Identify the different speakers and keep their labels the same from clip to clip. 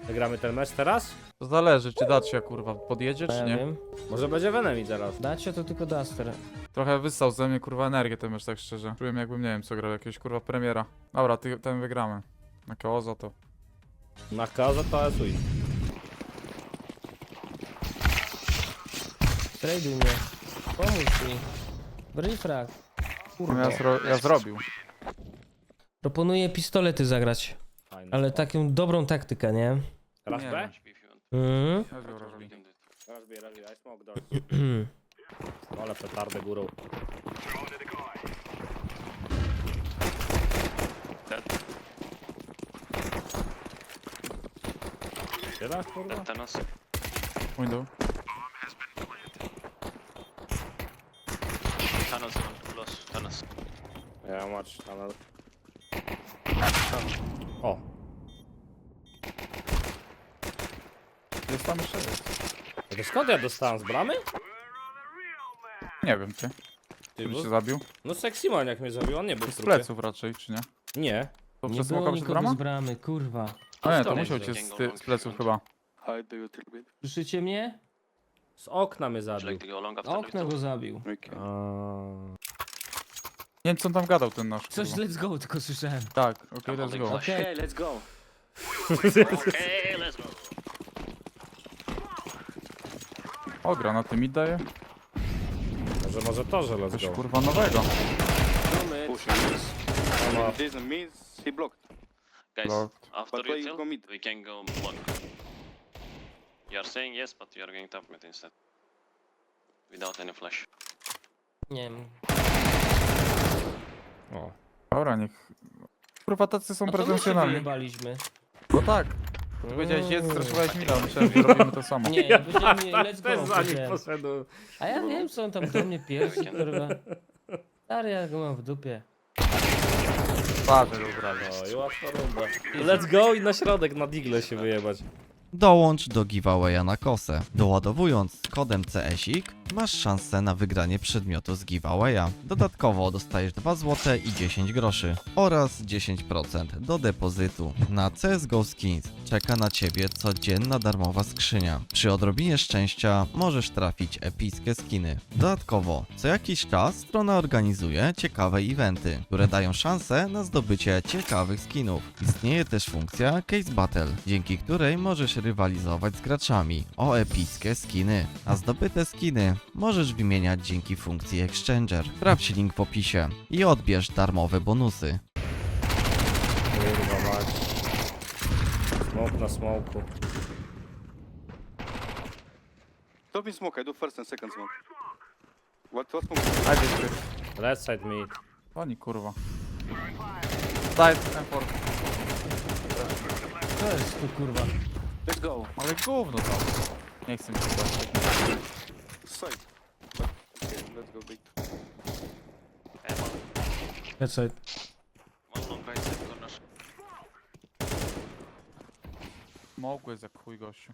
Speaker 1: Wygramy ten mecz teraz?
Speaker 2: To zależy, czy Dacia kurwa podjedzie, czy
Speaker 3: Ja
Speaker 2: nie.
Speaker 3: wiem.
Speaker 1: Może będzie Venemi teraz.
Speaker 3: Dacie to tylko Duster.
Speaker 2: Trochę wyssał ze mnie kurwa energię ten mecz, tak szczerze. Czułem jakbym nie wiem co grał, jakiegoś kurwa premiera. Dobra, ten wygramy. Na koło to.
Speaker 1: Na kaza to jest win.
Speaker 3: Traduj mnie. Pomóż mi. Brifrag. Kurwa.
Speaker 2: Ja zrobił.
Speaker 3: Proponuję pistolety zagrać.
Speaker 1: Fajny
Speaker 3: Ale
Speaker 1: spot.
Speaker 3: taką dobrą taktykę, nie?
Speaker 1: Teraz
Speaker 2: Nie
Speaker 1: B?
Speaker 3: Mhm.
Speaker 2: Ja zrobił.
Speaker 1: Teraz B, I smoke door. Ale petardę górą. Tyle, kurwa?
Speaker 4: Thanos.
Speaker 2: Window.
Speaker 4: Thanos close. Thanos.
Speaker 1: Ja match tunnel. O!
Speaker 2: Jest tam jeszcze jest.
Speaker 1: To skąd ja dostałem z bramy?
Speaker 2: Nie wiem ty.
Speaker 1: Ty,
Speaker 2: Który
Speaker 1: bo...
Speaker 2: cię zabił?
Speaker 1: No Sexy Man jak mnie zabił, on nie był w
Speaker 2: Z
Speaker 1: trupie.
Speaker 2: pleców raczej, czy nie?
Speaker 1: Nie.
Speaker 2: To
Speaker 3: Nie
Speaker 2: przez
Speaker 3: było
Speaker 2: smoka przez
Speaker 3: nikogo
Speaker 2: brama?
Speaker 3: z bramy, kurwa.
Speaker 2: A nie, to
Speaker 4: Kto
Speaker 2: musiał
Speaker 4: jest?
Speaker 2: cię z pleców chyba.
Speaker 5: Hide the utility bit.
Speaker 3: Słyszycie mnie?
Speaker 1: Z okna mnie
Speaker 4: Would you
Speaker 1: zabił.
Speaker 4: like to go long after
Speaker 3: Okno go zabił.
Speaker 5: Okay.
Speaker 2: Nie wiem co on tam gadał ten nasz.
Speaker 3: Coś
Speaker 2: kurwa.
Speaker 3: let's go, tylko słyszałem.
Speaker 2: Tak, okej, let's go.
Speaker 3: Okej.
Speaker 5: Okay, let's go.
Speaker 4: Okay, let's go.
Speaker 2: O, granaty mi daje.
Speaker 1: Może to, że let's
Speaker 2: Coś
Speaker 1: go.
Speaker 2: kurwa nowego.
Speaker 5: Push.
Speaker 1: No.
Speaker 5: This means he blocked.
Speaker 4: Guys,
Speaker 2: Blocked.
Speaker 4: after
Speaker 5: But why
Speaker 4: you
Speaker 5: you go
Speaker 4: kill,
Speaker 5: mid?
Speaker 4: we can go long. You are saying yes, but you are going top mid instead. Without any flash.
Speaker 3: Nie wiem.
Speaker 1: O.
Speaker 2: Dobra, niech... Kurwa, tacy są
Speaker 3: No to my się
Speaker 2: pretensjonalni.
Speaker 3: wyjebaliśmy.
Speaker 2: No tak. Ty powiedziałeś jedz, straszowałeś mi, myślałem, że robimy to samo.
Speaker 3: Nie, ja powiedziałem let's
Speaker 1: Też
Speaker 3: go.
Speaker 1: za nim
Speaker 3: powiedziałem.
Speaker 1: poszedł.
Speaker 3: A ja wiem co on tam do mnie pierwszy, kurwa. Stary, ja go mam w dupie.
Speaker 2: Patrz, dobra.
Speaker 1: No i łatwa runda. Let's go i na środek na digle się wyjebać.
Speaker 6: Dołącz do giveawaya na kosę. Doładowując kodem CSIK masz szansę na wygranie przedmiotu z giveawaya. Dodatkowo dostajesz 2 zł i 10 groszy oraz 10% do depozytu. Na CSGO Skins czeka na Ciebie codzienna darmowa skrzynia. Przy odrobinie szczęścia możesz trafić epickie skiny. Dodatkowo co jakiś czas strona organizuje ciekawe eventy, które dają szansę na zdobycie ciekawych skinów. Istnieje też funkcja Case Battle, dzięki której możesz rywalizować z graczami o epickie skiny. A zdobyte skiny możesz wymieniać dzięki funkcji Exchanger. Sprawdź link w opisie i odbierz darmowe bonusy.
Speaker 1: Kurwa mać. Smoke na smoku.
Speaker 5: Top in smoke. I do first and second smoke. What smoke?
Speaker 2: A gdzieś ty.
Speaker 1: Left side mid.
Speaker 2: Pani kurwa. Daj ten for.
Speaker 3: Co jest tu, kurwa?
Speaker 5: Let's go.
Speaker 2: Ale gówno tam. Nie chcę mi się patrzeć.
Speaker 5: Side. Okay, let's go big.
Speaker 4: And one,
Speaker 3: Let's side.
Speaker 4: one long right side corner.
Speaker 2: Mogłeś jak chuj gościu.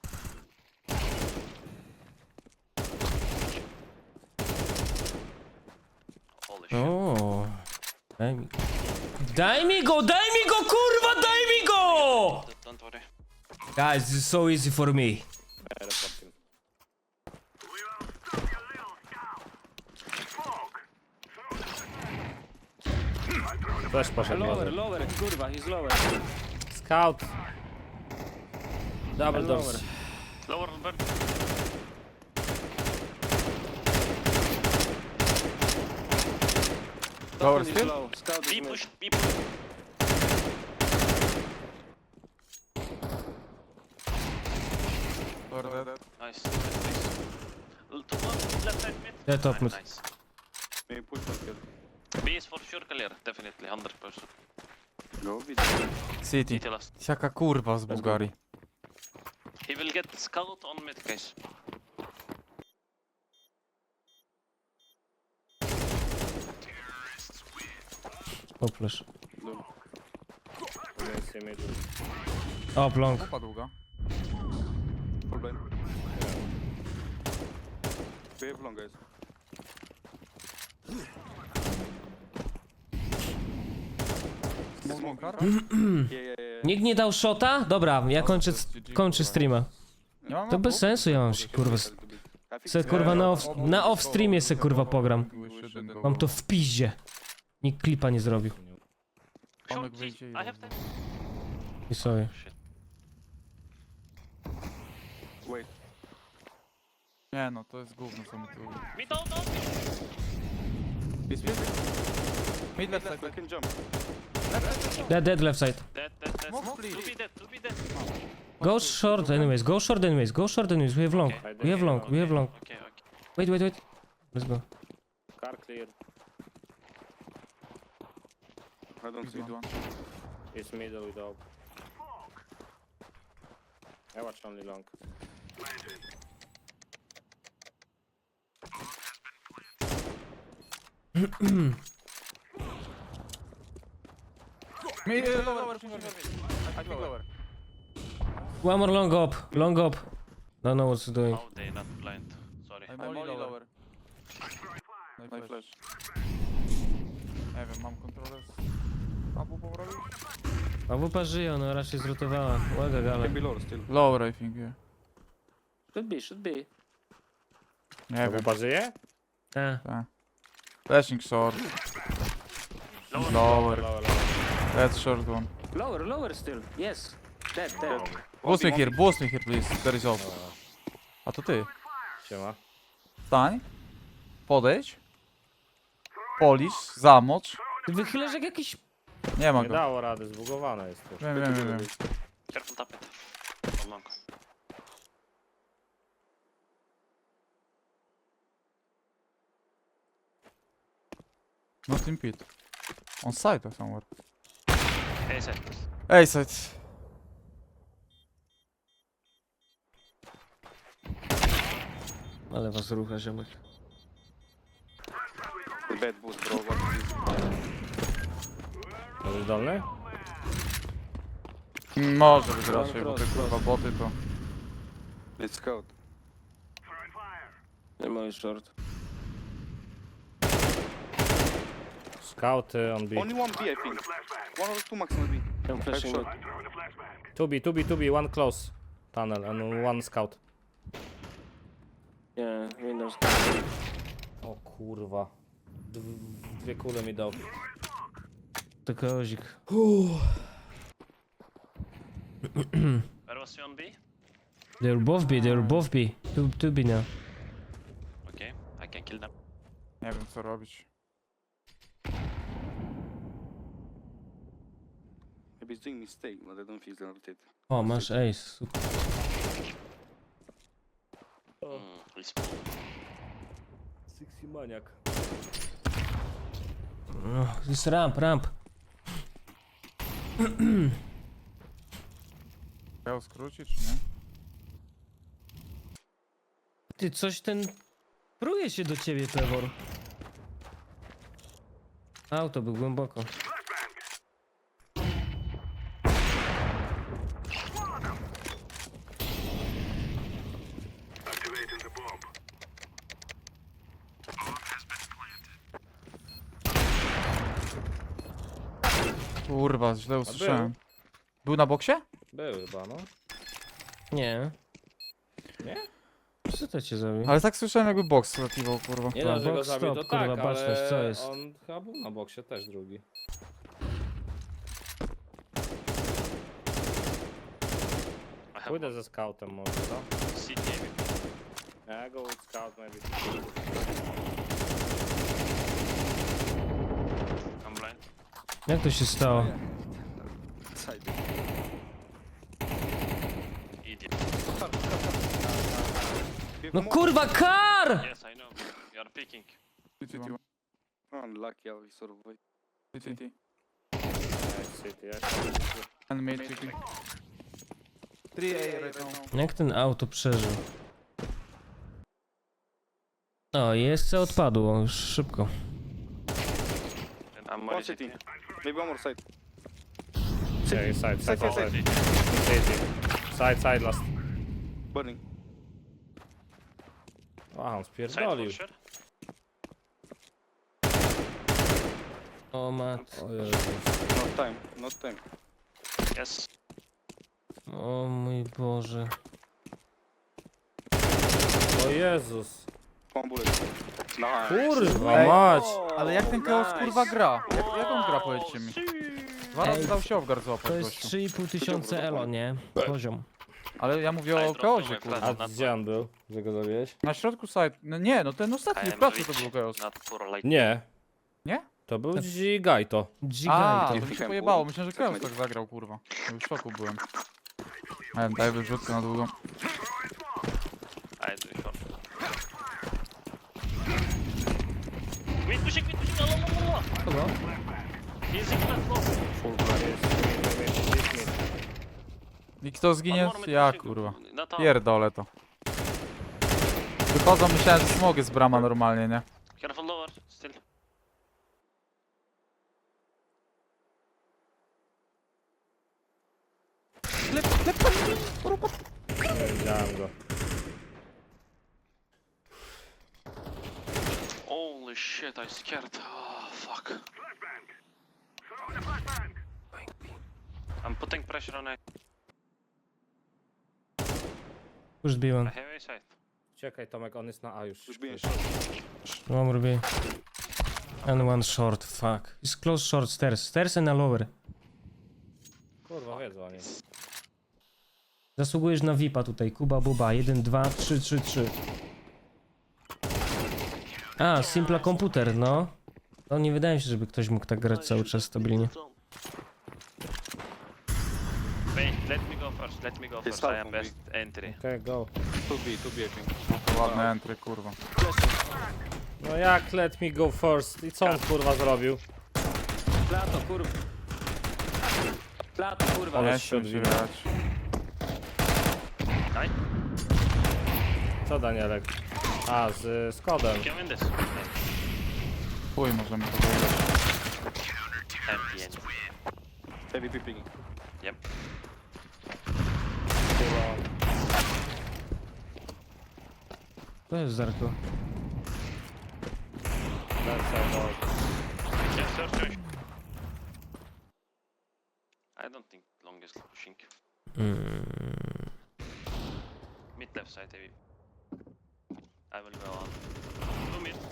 Speaker 4: Holy shit.
Speaker 3: O. Daj mi. Daj mi go, kurwa, daj mi go!
Speaker 4: Don't worry.
Speaker 3: Guys, this is so easy for me.
Speaker 1: Reporting. Też poszedł może.
Speaker 3: lower, kurwa, he's lower.
Speaker 1: Scout. Double doors.
Speaker 3: Lower.
Speaker 4: Lower bird.
Speaker 2: Lower
Speaker 5: Top is
Speaker 2: still?
Speaker 5: low. Scout is
Speaker 4: B
Speaker 5: mid.
Speaker 4: push, B push.
Speaker 2: Dobra, dead.
Speaker 4: Nice. Nice. To one, left side mid.
Speaker 3: Yeah, top mid.
Speaker 4: Nice.
Speaker 5: Maybe push one kill.
Speaker 4: B is for sure clear, definitely, 100%.
Speaker 5: Go bit.
Speaker 2: City.
Speaker 4: CT last.
Speaker 2: Jaka kurwa z Bułgarii.
Speaker 4: He will get scout on mid, guys.
Speaker 3: O, flash.
Speaker 5: No.
Speaker 1: Against him mid.
Speaker 3: O, long.
Speaker 2: Kupa długa.
Speaker 5: Full blind. We have long guys.
Speaker 2: Smoke
Speaker 5: Yeah, yeah, yeah.
Speaker 3: Nikt nie dał shota? Dobra, ja kończę streama.
Speaker 2: Nie mam
Speaker 3: To bez sensu, ja mam się kurwa... Se kurwa na off streamie se kurwa pogram. Mam to w piździe. Nikt klipa nie zrobił.
Speaker 2: Tomek wyjdzie i
Speaker 4: I have time.
Speaker 3: I sobie.
Speaker 4: Shit.
Speaker 5: Wait.
Speaker 2: Nie no, to jest gówno co mi tu...
Speaker 4: Me down.
Speaker 2: Mid left side.
Speaker 5: I can jump.
Speaker 3: Dead left side.
Speaker 4: Dead.
Speaker 2: Smoke, please.
Speaker 4: To be dead.
Speaker 3: Go short anyways, go short anyways, go short anyways. We have long, we have long, we have long.
Speaker 4: Okay.
Speaker 3: Wait. Let's go.
Speaker 1: Car clear.
Speaker 5: I don't see.
Speaker 2: Mid one.
Speaker 1: It's middle with dog. I watch only long.
Speaker 2: Mid, lower, I think lower.
Speaker 3: One more long up. Don't know what's doing.
Speaker 4: Oh, they not blind. Sorry.
Speaker 2: I'm only lower. No i flash. Nie wiem, mam kontrolę z... Abu powrobić?
Speaker 3: A WP żyje, ona raczej zrotowała. Łaga gala.
Speaker 5: Maybe lower still.
Speaker 2: Lower I think, yeah.
Speaker 1: Should be.
Speaker 2: Nie wiem.
Speaker 1: Chyba żyje?
Speaker 2: Flashing short. Lower. That's short one.
Speaker 1: Lower still. Yes. Dead.
Speaker 2: Boost me here please. There is off. A to ty.
Speaker 1: Siema.
Speaker 2: Stań. Podejdź. Polisz, zamocz.
Speaker 3: Ty wychylasz jak jakiś...
Speaker 2: Nie ma
Speaker 1: Nie
Speaker 2: go.
Speaker 1: dało rady, zbugowane jest to.
Speaker 2: Wiem.
Speaker 4: Careful, tap it. From long.
Speaker 2: Not in pit. On side or somewhere.
Speaker 4: Hey, set.
Speaker 2: Ej, side.
Speaker 3: Ale was rucha, ziomek.
Speaker 5: Bad boost, bro. What is this?
Speaker 1: Może dolny?
Speaker 2: Może być raczej, bo te kurwa boty to...
Speaker 5: It's scout.
Speaker 1: Nie ma już short. Scouty on B.
Speaker 5: Only one B, I think. One or two maximum B.
Speaker 1: I'm
Speaker 5: flashing
Speaker 1: short. 2B, one close. Tunnel and one scout.
Speaker 3: Nie, Windows.
Speaker 1: O kurwa. Dwie kule mi dał.
Speaker 3: To kozik.
Speaker 4: Where was you on B?
Speaker 3: They're both B. Two B now.
Speaker 4: Okay, I can kill them.
Speaker 2: Nie wiem co robić.
Speaker 5: Maybe he's doing mistake, but I don't think he's gonna rotate.
Speaker 3: O, masz ace. Super.
Speaker 4: He's
Speaker 1: Sixty maniak.
Speaker 3: No, jest ramp.
Speaker 2: Chciał skrócić, czy nie?
Speaker 3: Ty, coś ten... Pruje się do ciebie, Pewor. Auto był głęboko.
Speaker 2: Kurwa, źle usłyszałem. Był na boksie?
Speaker 1: Był chyba, no.
Speaker 3: Nie.
Speaker 1: Nie?
Speaker 3: Co to cię zrobił?
Speaker 2: Ale tak słyszałem jakby boks latywał, kurwa.
Speaker 1: Nie no, że go
Speaker 3: box
Speaker 1: zabił,
Speaker 3: stop,
Speaker 1: to tak,
Speaker 3: kurwa, baczność, co
Speaker 1: ale
Speaker 3: jest?
Speaker 1: on chyba był na boksie też drugi.
Speaker 4: I have
Speaker 1: Pójdę ze scoutem może, co?
Speaker 4: CT maybe.
Speaker 1: Ja go with scout maybe.
Speaker 4: I'm blind.
Speaker 3: Jak to się stało?
Speaker 5: Side.
Speaker 4: Idiot.
Speaker 3: No kurwa, kar!
Speaker 4: Yes, I know. You are picking.
Speaker 5: Unlucky how he survived.
Speaker 1: City,
Speaker 2: And mid city. 3A right now.
Speaker 3: Jak ten auto przeżył? O, jest odpadło, już szybko.
Speaker 4: And I'm
Speaker 5: One
Speaker 4: more
Speaker 5: city.
Speaker 4: CT.
Speaker 5: Maybe one more side.
Speaker 1: Yeah, side.
Speaker 5: Side.
Speaker 1: Side last.
Speaker 5: Burning.
Speaker 1: Aha, on
Speaker 4: Side
Speaker 1: spierdolił.
Speaker 4: for sure.
Speaker 3: O mat.
Speaker 1: O Jezu.
Speaker 5: Not time.
Speaker 4: Yes.
Speaker 3: O mój Boże.
Speaker 1: O Jezus.
Speaker 5: One bullet. Nice.
Speaker 1: Kurwa
Speaker 2: Ej.
Speaker 1: mać.
Speaker 2: Ale jak ten Chaos kurwa gra? Jak on gra, powiedzcie mi? 2 razy
Speaker 3: Ej,
Speaker 2: dał się Ovgar
Speaker 3: To
Speaker 2: złapać
Speaker 3: jest
Speaker 2: gościu.
Speaker 3: 3,5 tysiące elo, nie? Poziom.
Speaker 2: Ale ja mówię o Chaosie kurwa.
Speaker 1: A gdzie on był, że go zabiłeś?
Speaker 2: Na środku site. No nie, no ten ostatni w pracy to był Chaos.
Speaker 4: Not for like
Speaker 1: Nie.
Speaker 2: Nie?
Speaker 1: To był Gigajto.
Speaker 2: A,
Speaker 3: Gigajto.
Speaker 2: to mi się pojebało. Myślałem, że Chaos tak zagrał kurwa. Ja już w szoku byłem. Nie wiem, daj wyrzutkę na długą.
Speaker 4: I do short. Mid pushing, no.
Speaker 3: Kogo?
Speaker 4: He's in platform.
Speaker 2: I kto zginie?
Speaker 4: One more mid
Speaker 2: Ja
Speaker 4: pushing.
Speaker 2: kurwa.
Speaker 4: Not top.
Speaker 2: Pierdolę to. Wychodzą, myślałem, że smogi z brama normalnie, nie?
Speaker 4: Careful lower, still.
Speaker 1: Nie widziałem go.
Speaker 4: Holy shit, I scared. Oh, fuck. I'm putting pressure on it.
Speaker 3: Już
Speaker 4: I
Speaker 3: zbiłem.
Speaker 4: have a side.
Speaker 1: Czekaj Tomek, on jest na A już.
Speaker 5: Już biję.
Speaker 3: Mam robię. And one short, fuck. It's close short stairs. Stairs and a lower.
Speaker 1: Kurwa, wiedzą oni.
Speaker 3: Zasługujesz na VIPa tutaj. Kuba Buba. 1, 2, 3, 3, 3. A, Simpla komputer, no. To nie wydaje mi się, żeby ktoś mógł tak grać cały czas stabilnie.
Speaker 4: Wait, let me go first, let me go first. I am best entry.
Speaker 1: Okej, go.
Speaker 5: 2B, I think.
Speaker 2: To ładne entry, kurwa.
Speaker 1: No jak let me go first? I co on kurwa zrobił?
Speaker 7: Plato, kurwa. Plato, kurwa.
Speaker 1: Ale
Speaker 2: Nie
Speaker 1: się
Speaker 2: chcę się
Speaker 1: odwinął.
Speaker 2: grać.
Speaker 1: Co Danielek? A, z kodem.
Speaker 4: Can win this.
Speaker 2: Chuj, możemy to wygrać.
Speaker 4: Empty end.
Speaker 5: Heavy peeping.
Speaker 4: Yep.
Speaker 3: To jest Zarko.
Speaker 4: Yes, sir. I don't think long is pushing. Mid left side, maybe. I will go on. 2 mid.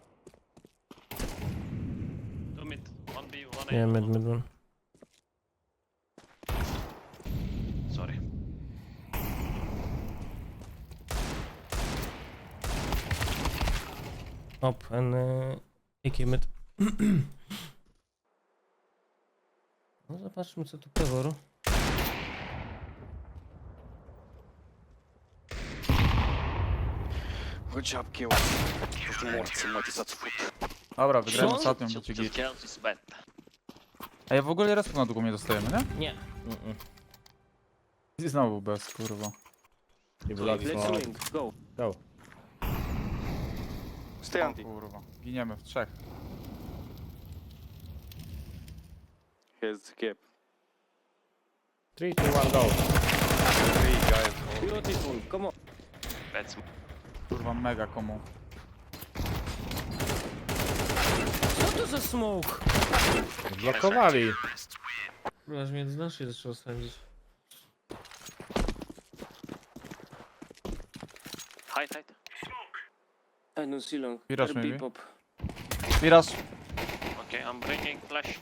Speaker 4: 2 mid. 1B, 1A.
Speaker 3: Nie, mid, mid, one.
Speaker 4: Sorry.
Speaker 3: Op, en ik mid. No zobaczmy co tu Pewor.
Speaker 5: Good job, kill. Morcy, macie za cwód.
Speaker 2: Dobra, wygrałem
Speaker 3: Co?
Speaker 2: ostatnią, będzie
Speaker 4: Just
Speaker 2: git.
Speaker 4: kills is bad.
Speaker 2: A ja w ogóle raz na długą nie dostajemy, nie?
Speaker 3: Nie.
Speaker 2: I znowu bez, kurwa.
Speaker 1: I blood
Speaker 7: Let's
Speaker 1: smoke.
Speaker 7: win, go.
Speaker 1: Go.
Speaker 5: Stay
Speaker 2: O
Speaker 5: anti.
Speaker 2: kurwa. Giniemy w trzech.
Speaker 5: Here's the cap.
Speaker 1: 3, 2, 1, go.
Speaker 5: 3 guys.
Speaker 7: Beautiful, come on.
Speaker 4: Bad smoke.
Speaker 2: Kurwa, mega komu.
Speaker 3: Co to za smoke?
Speaker 1: Blokowali.
Speaker 3: Aż mnie z naszej zaczęło sądzić.
Speaker 4: Hide, hide.
Speaker 7: I don't see long.
Speaker 2: Miraż
Speaker 7: RB
Speaker 2: maybe?
Speaker 7: pop.
Speaker 2: Miraż.
Speaker 4: Okay, I'm bringing flash.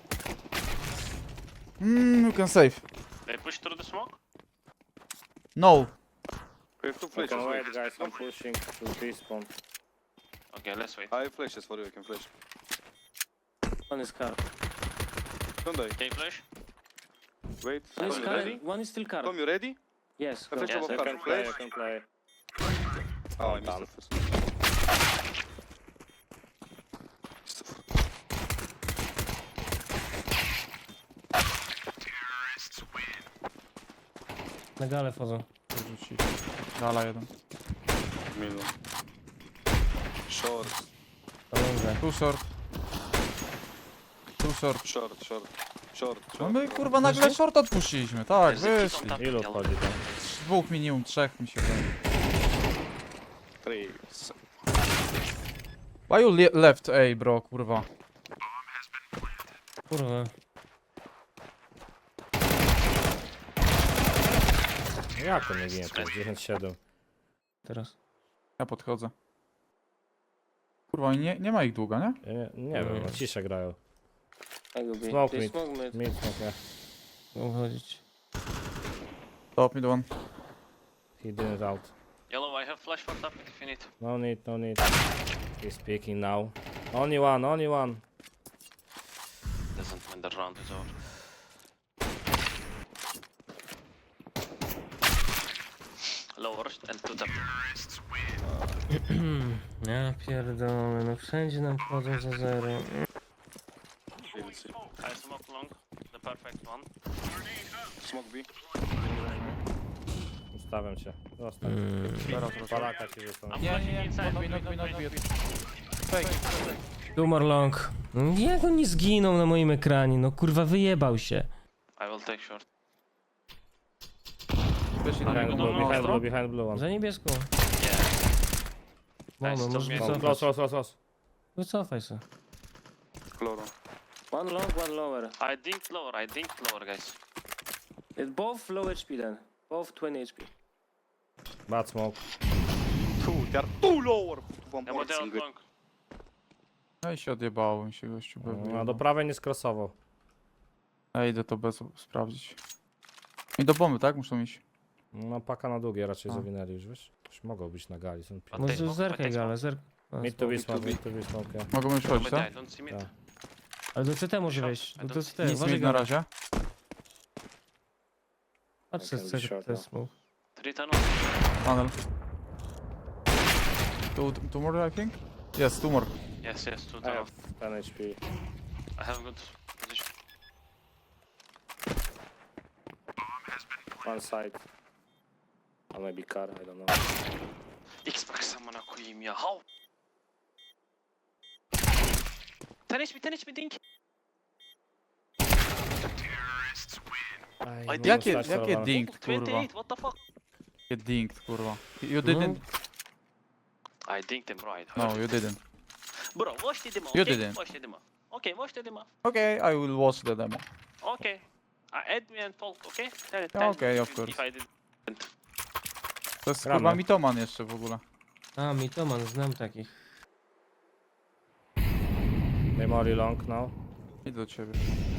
Speaker 2: You can save.
Speaker 4: They push through the smoke.
Speaker 2: No.
Speaker 5: We have 2
Speaker 1: You
Speaker 5: flashes.
Speaker 1: can
Speaker 5: Wait.
Speaker 1: wait guys, I'm pushing to respawn.
Speaker 4: Okay, let's wait.
Speaker 5: I have flashes for you, I can flash.
Speaker 7: One is car.
Speaker 5: Don't die.
Speaker 4: Can you flash?
Speaker 5: Wait.
Speaker 7: One is
Speaker 5: Tom, you
Speaker 7: car.
Speaker 5: ready?
Speaker 7: One is still car.
Speaker 5: Tom, you ready?
Speaker 7: Yes,
Speaker 5: I
Speaker 7: go.
Speaker 5: flash
Speaker 4: Yes,
Speaker 5: above
Speaker 4: I
Speaker 5: car.
Speaker 1: You can play,
Speaker 5: Flash.
Speaker 1: you can play.
Speaker 5: Oh, I
Speaker 1: Tam.
Speaker 5: missed the first.
Speaker 3: Na galę wchodzą.
Speaker 2: Wyrzuci. Dala jeden.
Speaker 5: Middle. Short,
Speaker 3: Pamiętaj.
Speaker 2: Too short. Too short.
Speaker 5: short, short. Short,
Speaker 2: No
Speaker 5: short.
Speaker 2: my kurwa nagle short odpuściliśmy. Tak,
Speaker 4: There's a kid
Speaker 2: wyszli.
Speaker 4: on top.
Speaker 1: Ilu
Speaker 4: Yellow.
Speaker 1: wchodzi tam?
Speaker 2: 2 minimum, 3 mi się wydaje.
Speaker 5: 3.
Speaker 2: Why you left A, bro, kurwa?
Speaker 3: Kurwa.
Speaker 1: No jak on nie ginie tam? 10-7.
Speaker 3: Teraz.
Speaker 2: Ja podchodzę. Kurwa, nie ma ich długo, nie?
Speaker 1: Ja nie wiem, no ciszę grają.
Speaker 7: I go B.
Speaker 1: Smoke
Speaker 7: They
Speaker 1: mid.
Speaker 7: smoke mid.
Speaker 1: Mid smoke,
Speaker 3: Mogę chodzić.
Speaker 2: Top mid one.
Speaker 1: he didn't out.
Speaker 4: Yellow, I have flash for top mid if you need.
Speaker 1: No need, no need. He's peeking now. Only one, only one.
Speaker 4: Doesn't when the round is over. Lower and two top.
Speaker 3: Ja pierdolę, no wszędzie nam wchodzą za zero.
Speaker 5: We'll see.
Speaker 4: I smoke long, the perfect one.
Speaker 5: Smoke B.
Speaker 1: Ustawiam cię. Zostań.
Speaker 2: Teraz
Speaker 1: Palaka ci rzucą.
Speaker 4: I'm
Speaker 2: Nie,
Speaker 4: flashing
Speaker 2: nie,
Speaker 4: inside.
Speaker 2: not be. Fake.
Speaker 3: Tumor long. No jak on nie zginął na moim ekranie? No kurwa wyjebał się.
Speaker 4: I will take short.
Speaker 2: Weszli
Speaker 4: Ale
Speaker 2: na
Speaker 4: no,
Speaker 2: niego.
Speaker 1: Behind blue, behind blue one.
Speaker 3: Za niebieską.
Speaker 4: Yeah.
Speaker 3: Mamy,
Speaker 4: Nice,
Speaker 3: możesz
Speaker 4: to
Speaker 1: No,
Speaker 3: wycofać.
Speaker 1: close, close, close, close.
Speaker 3: Wycofaj se.
Speaker 5: Chloro.
Speaker 7: One long, one lower.
Speaker 4: I dinked lower, guys.
Speaker 7: It's both low HP then. Both 20 HP.
Speaker 1: Bad smoke.
Speaker 5: They are too lower. One
Speaker 4: Yeah,
Speaker 5: more
Speaker 4: but they are
Speaker 5: single.
Speaker 4: long.
Speaker 2: No i się odjebało mi się gościu.
Speaker 1: No do prawej nie skrosował.
Speaker 2: Ja idę to bez sprawdzić. I do bomby, tak? Muszą iść.
Speaker 1: No paka na długie raczej
Speaker 2: A.
Speaker 1: zawinęli już, wiesz? Już mogą być na gali, są
Speaker 4: A
Speaker 3: Może
Speaker 4: tej smoke,
Speaker 3: zerkaj
Speaker 4: tej
Speaker 3: gale, zerk.
Speaker 1: Mid to be smoke, mid to be smoke, yeah.
Speaker 2: Mogą już
Speaker 4: smoke.
Speaker 2: chodzić,
Speaker 4: But
Speaker 2: tak?
Speaker 4: I don't see mid.
Speaker 1: Tak.
Speaker 3: Ale do CT może
Speaker 4: Short,
Speaker 3: wejść.
Speaker 4: I
Speaker 3: Do
Speaker 4: don't
Speaker 3: CT,
Speaker 2: Nic
Speaker 3: uważaj
Speaker 2: mid na
Speaker 3: gale.
Speaker 2: razie.
Speaker 3: Patrz
Speaker 1: I can be short
Speaker 3: CT
Speaker 1: now.
Speaker 3: smoke.
Speaker 4: Three tunnel.
Speaker 2: Tunnel. Two more, I think? Yes, two more.
Speaker 4: Yes, two
Speaker 1: I
Speaker 4: tunnel.
Speaker 1: have 10 HP.
Speaker 4: I have good position.
Speaker 1: One side. Or maybe car, I don't know.
Speaker 4: Xbox amına koyayım ya. How? 10 HP dink.
Speaker 1: Aj,
Speaker 4: Ej,
Speaker 1: mogę
Speaker 2: Jakie,
Speaker 1: stać
Speaker 2: jakie
Speaker 1: celowany.
Speaker 2: dinked, kurwa?
Speaker 4: 28, what the fuck?
Speaker 2: Jakie dinked, kurwa. You didn't?
Speaker 4: I dinked him right.
Speaker 2: No, you didn't.
Speaker 4: Bro, watch the demo.
Speaker 2: You
Speaker 4: okay?
Speaker 2: didn't.
Speaker 4: Watch the demo. Okay, watch the demo.
Speaker 2: Okay, I will watch the demo.
Speaker 4: Okay. Add me and talk, okay? Tell it.
Speaker 2: Yeah, okay, of course.
Speaker 4: If I did.
Speaker 2: To jest
Speaker 1: Gramy.
Speaker 2: kurwa mitoman jeszcze w ogóle.
Speaker 3: A, mitoman, znam takich.
Speaker 1: Memory long now.
Speaker 2: Idź do ciebie.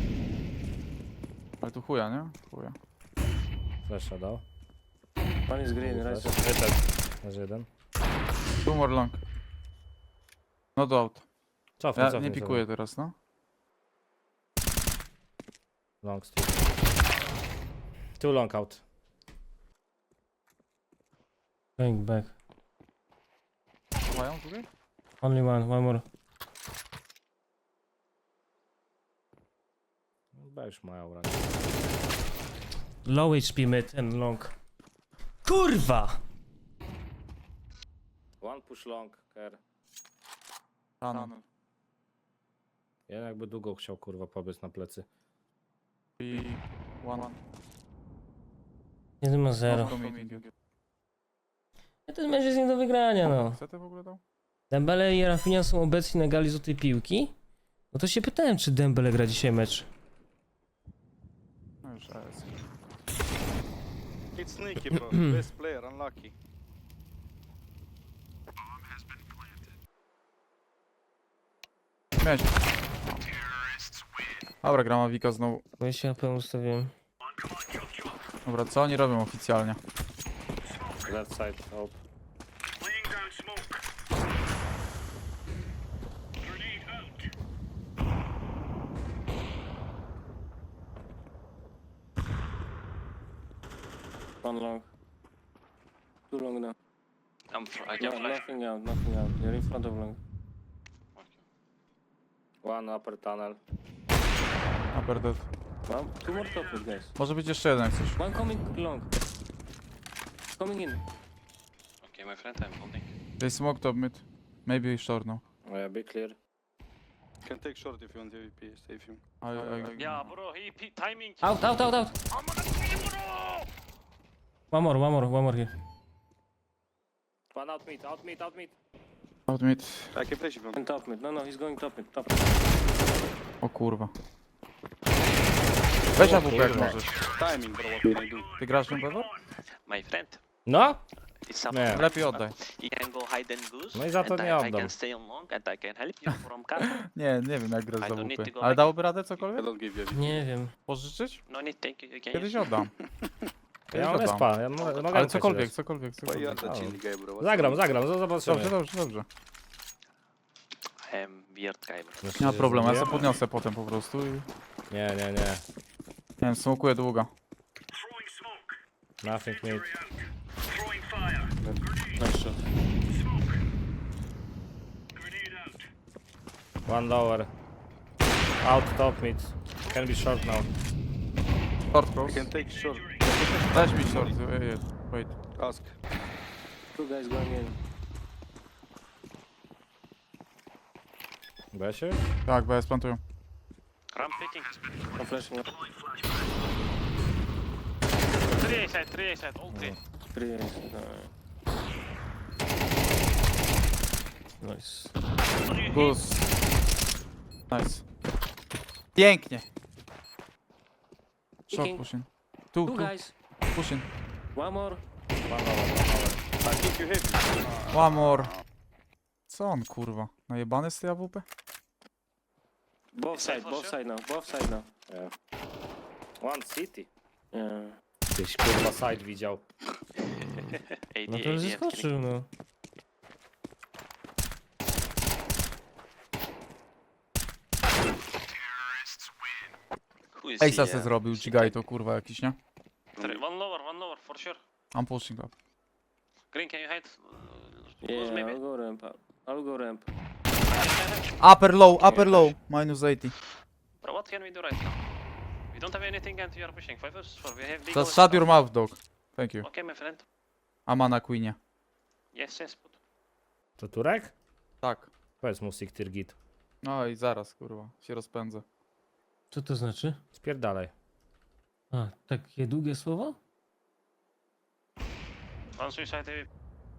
Speaker 2: Ale tu chuja, nie? Chuja.
Speaker 1: Flasha dał.
Speaker 7: One is green, right?
Speaker 1: Wyszedł. Leży jeden.
Speaker 2: Two more long. Not out.
Speaker 1: Cofnij,
Speaker 2: Ja
Speaker 1: cofnij
Speaker 2: nie
Speaker 1: sobie.
Speaker 2: pikuję teraz, no.
Speaker 1: Long still. Too long out.
Speaker 3: Going back.
Speaker 2: Mają tutaj?
Speaker 3: Only one more.
Speaker 1: Chyba już mają raczej.
Speaker 3: Low HP mid and long. Kurwa!
Speaker 1: One push long, care.
Speaker 2: Tunnel.
Speaker 1: Ja jakby długo chciał kurwa pobiec na plecy.
Speaker 2: I one.
Speaker 3: 1 ma 0. Ten mecz jest nie do wygrania, no.
Speaker 2: Co ty w ogóle dał?
Speaker 3: Dembele i Rafinha są obecni na gali złotej piłki. No to się pytałem, czy Dembele gra dzisiaj mecz.
Speaker 2: No już AS.
Speaker 5: It's sneaky, bro. Best player, unlucky.
Speaker 2: Miałeś. Dobra, gra Mavika znowu.
Speaker 3: Bo ja się AP ustawiłem.
Speaker 2: Dobra, co oni robią oficjalnie?
Speaker 1: Left side, hope.
Speaker 7: One long. Too long now.
Speaker 4: I can
Speaker 7: No,
Speaker 4: flash.
Speaker 7: nothing out, nothing out. You're in front of long.
Speaker 1: One upper tunnel.
Speaker 2: Upper dead.
Speaker 7: Well, two more top mid, guys.
Speaker 2: Może być jeszcze jeden jak coś.
Speaker 7: One coming long. Coming in.
Speaker 4: Okay, my friend, I'm holding.
Speaker 2: They smoked up mid. Maybe short now.
Speaker 1: Oh yeah, be clear.
Speaker 5: Can take short if you want AWP, save him.
Speaker 4: Yeah, bro, he timing.
Speaker 3: Out! One more here.
Speaker 1: One out mid, out mid, out mid.
Speaker 2: Out mid.
Speaker 5: I can flash if you want.
Speaker 7: And top mid. No, he's going top mid. Top.
Speaker 2: O kurwa. Weź AWP jak możesz.
Speaker 5: Timing, bro, what can I do?
Speaker 2: Ty grasz nią Pewor?
Speaker 4: My friend,
Speaker 1: No?
Speaker 4: it's up.
Speaker 1: Nie.
Speaker 2: Lepiej oddaj.
Speaker 4: You can go hide and goose.
Speaker 1: No i za to
Speaker 4: and
Speaker 1: nie
Speaker 4: I
Speaker 1: oddam.
Speaker 4: can stay on long and I can help you from castle.
Speaker 2: Nie wiem jak grasz
Speaker 4: I
Speaker 2: za
Speaker 4: don't need
Speaker 2: AWP.
Speaker 4: to go
Speaker 2: Ale
Speaker 4: back.
Speaker 2: dałoby radę
Speaker 5: I
Speaker 2: cokolwiek?
Speaker 5: don't give you a
Speaker 3: Nie wiem.
Speaker 2: Pożyczyć?
Speaker 4: No need, thank you. You can
Speaker 2: Kiedyś
Speaker 4: use.
Speaker 2: oddam.
Speaker 1: Ja mam
Speaker 2: oddam.
Speaker 1: respa, ja mogę
Speaker 2: Ale
Speaker 1: ci
Speaker 2: cokolwiek,
Speaker 1: dać.
Speaker 2: cokolwiek,
Speaker 5: Why you are
Speaker 2: cokolwiek.
Speaker 5: the chill guy, bro? What's
Speaker 1: Zagram,
Speaker 5: wrong?
Speaker 1: zagram, zobaczymy.
Speaker 2: Dobrze.
Speaker 4: I am weird guy, bro.
Speaker 2: Nie ma problemu, ja sobie podniosę potem po prostu i...
Speaker 1: Nie.
Speaker 2: Nie wiem, smokuję długo.
Speaker 1: Nothing mid.
Speaker 7: Nice shot.
Speaker 1: One lower. Out top mid. Can be short now.
Speaker 2: Short
Speaker 5: You
Speaker 2: cross.
Speaker 5: can take short.
Speaker 2: Dać mi short, wait.
Speaker 5: Ask.
Speaker 7: Two guys going in.
Speaker 1: Besie?
Speaker 2: Tak, bo ja splantuję.
Speaker 4: Ramp picking.
Speaker 7: I'm flashing.
Speaker 4: 3 A side, all 3.
Speaker 7: Three. Nice.
Speaker 2: Goose. Nice. Pięknie. Short
Speaker 7: Picking.
Speaker 2: pushing. Tu,
Speaker 7: Two guys.
Speaker 2: pushing.
Speaker 7: One more.
Speaker 1: One lower.
Speaker 5: I think you have it.
Speaker 2: One more. Co on kurwa? Najebany z tej AWP?
Speaker 7: Both
Speaker 4: Side
Speaker 7: side.
Speaker 4: for
Speaker 7: Both
Speaker 4: sure?
Speaker 7: side now. Both side now.
Speaker 1: Yeah. One city.
Speaker 7: Yeah.
Speaker 1: Tyś kurwa side widział.
Speaker 4: AD,
Speaker 3: No to
Speaker 4: AD,
Speaker 3: już
Speaker 4: and
Speaker 3: zeskoczył, no.
Speaker 4: Who is
Speaker 2: Ace'a
Speaker 4: he?
Speaker 2: se zrobił, Gigaj to kurwa jakiś, nie?
Speaker 4: One lower, for sure.
Speaker 2: I'm pushing up.
Speaker 4: Green, can you hide?
Speaker 7: Yeah.
Speaker 4: Maybe.
Speaker 7: I'll go ramp. I'll go ramp.
Speaker 2: Upper low, minus 80.
Speaker 4: Bro, what can we do right now? We don't have anything and we are pushing 5 vs 4. We have big
Speaker 2: Just
Speaker 4: OS
Speaker 2: shut
Speaker 4: now.
Speaker 2: your mouth, dog. Thank you.
Speaker 4: Okay, my friend.
Speaker 2: Ama na Queenie.
Speaker 4: Yes, but
Speaker 1: To Turek?
Speaker 2: Tak.
Speaker 1: Powiedz mu Siktir git.
Speaker 2: No i zaraz kurwa, się rozpędzę.
Speaker 3: Co to znaczy?
Speaker 1: Spierdalaj.
Speaker 3: A, takie długie słowo?
Speaker 4: one suicide AWP.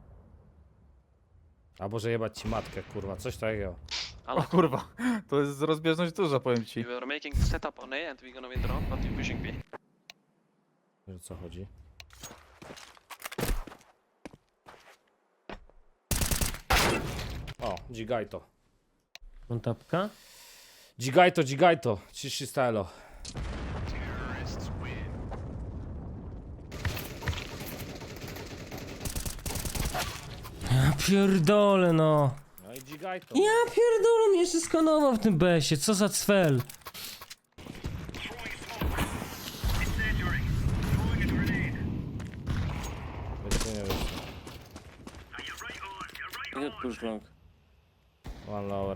Speaker 1: Albo że jebać ci matkę, kurwa, coś takiego.
Speaker 2: O kurwa, to jest rozbieżność duża, powiem ci.
Speaker 4: We were making setup on A and we're gonna win the round, but we're pushing B.
Speaker 1: Że co chodzi? O, Gigajto.
Speaker 3: Kontapka?
Speaker 1: Gigajto, 300 elo.
Speaker 3: Ja pierdolę, no.
Speaker 1: No i Gigajto.
Speaker 3: Ja pierdolę, mnie jeszcze skanował w tym besie, co za cfel.
Speaker 1: Wiecie, nie wiesz.
Speaker 7: You can push long.
Speaker 1: One lower.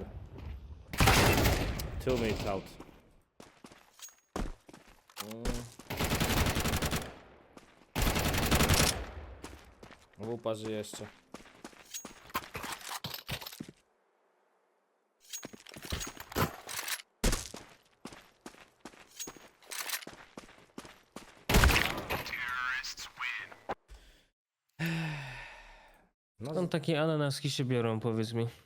Speaker 1: 2 mid out. Łupa żyje jeszcze. No,
Speaker 3: Skąd takie ananaski się biorą, powiedz mi?